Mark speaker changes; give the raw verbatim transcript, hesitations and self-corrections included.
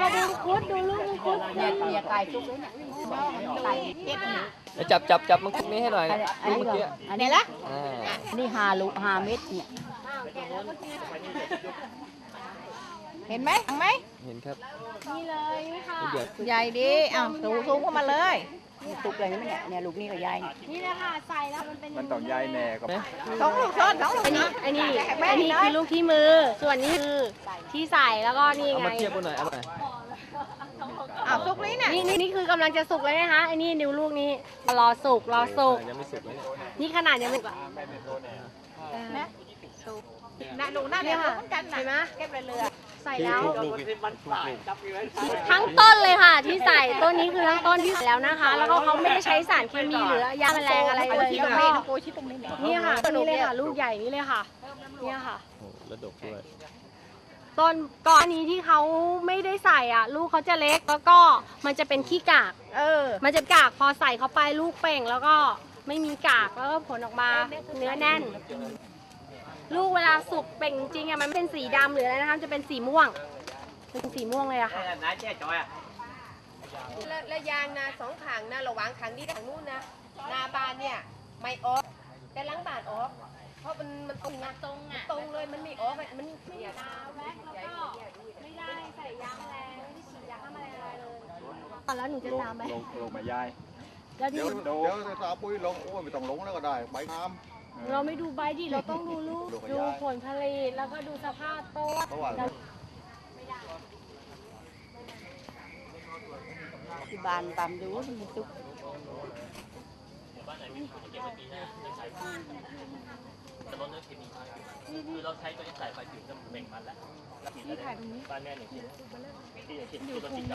Speaker 1: ดูคุดดูลูกคุด
Speaker 2: เนี่ยเนี่ยไก่ซุกเลยเนี่ยไก่เก็บนี่
Speaker 3: แล้วจับจับจับมังคุดนี้ให้หน่อย
Speaker 2: อัน
Speaker 3: ลูก
Speaker 2: นี้
Speaker 3: เมื่อกี้
Speaker 2: อันนี้ละ
Speaker 3: อ่า
Speaker 2: นี่หาลูกหาเม็ดเนี่ยเห็นไหมเห็นไหม
Speaker 3: เห็นครับ
Speaker 1: นี่เลยค่ะ
Speaker 3: เดี๋ยว
Speaker 2: ใหญ่ดีอ้าวสูงสูงเข้ามาเลยตุกเลยนี่เนี่ยเนี่ยลูกนี่ก็ใหญ่
Speaker 1: นี่เลยค่ะใส่แล้วมันเป็น
Speaker 4: มันต้องย้ายแน่กับ
Speaker 3: นะ
Speaker 2: สองลูกซ้อนสองลูก
Speaker 1: อันนี้อันนี้อันนี้คือลูกที่มือ ส่วนนี้คือที่ใส่แล้วก็นี่
Speaker 3: เอา
Speaker 1: ไง
Speaker 3: มาเทียบกันหน่อยเอาหน่อย
Speaker 2: อ้าวซุกนี้เนี่ย
Speaker 1: นี่นี่นี่คือกำลังจะสุกเลยนะคะไอ้นี่นิ้วลูกนี้รอสุกรอสุก
Speaker 3: ยังไม่สุกเลยเนี่ย
Speaker 1: นี่ขนาดยังไม่สุก
Speaker 2: นะน่ะหนูน่า
Speaker 1: เนี่
Speaker 2: เรีย
Speaker 1: ย
Speaker 2: น
Speaker 1: ค่ะ
Speaker 2: เหมือนกันนะ
Speaker 1: เห็นไหม
Speaker 2: เก็บเรือ
Speaker 1: ใส่แล้ว
Speaker 3: ลูกๆ
Speaker 1: ทั้งต้นเลยค่ะ ที่ใส่ต้นนี้คือทั้งต้นที่ใส่แล้วนะคะ แล้วก็เขาไม่ได้ใช้สารเคมีหรือยาแมลงอะไรเลย
Speaker 2: ที่ตรง
Speaker 1: แล้ว
Speaker 2: นี้
Speaker 1: ก็
Speaker 2: นะโกชิตรงนี้เนี่ย
Speaker 1: นี่ค่ะนี่เลยค่ะ ลูกใหญ่นี่เลยค่ะเนี่ยค่ะ
Speaker 3: โอ้โหแล้วดกด้วย
Speaker 1: ต้นก้อนนี้ที่เขาไม่ได้ใส่อ่ะ ลูกเขาจะเล็กแล้วก็มันจะเป็นขี้กาก
Speaker 2: เออ
Speaker 1: มันจะกากพอใส่เข้าไปลูกเป่งแล้วก็ไม่มีกากแล้วก็ผลออกมาเนื้อแน่น ลูกเวลาสุกเป่งจริงๆอ่ะมันไม่เป็นสีดำหรืออะไรนะคะจะเป็นสีม่วงเป็นสีม่วงเลยอะค่ะ
Speaker 5: และและยางนาสองขังนะระหว่างขังนี้กับขังนู้นนะนาบานเนี่ยไม่ออกแต่หล้างบานออก เพราะมันมันตรงนะตรงอ่ะตรงเลยมันไม่ออกมันไม่อยาก
Speaker 1: ตาแวกแล้วก็ไม่ได้ใส่ยาแมลงไม่ได้ฉีดยาฆ่าแมลงอะไรเลยตอนแล้วหนูจะ
Speaker 4: ลง
Speaker 1: ตามไป
Speaker 4: ลงลงมาย้าย
Speaker 1: แล้วที่
Speaker 4: เดี๋ยวเดี๋ยว
Speaker 6: เดี๋ยวตาปุ้ยลงโอ้ยไม่ต้องลงแล้วก็ได้ใบน้ำ
Speaker 1: เราไม่ดูใบดิเราต้องดูลูกดูผลผลิตแล้วก็ดูสภาพต้น
Speaker 6: เพราะว่า
Speaker 2: ที่บานตามดูมันซุก
Speaker 7: คือเราใช้ตัวนี้ใส่ไปถึงจะเบ่งมันแล้วแล้วบ้านแม่หนึ่งชิ้นที่อย่างเช่นที่เราติด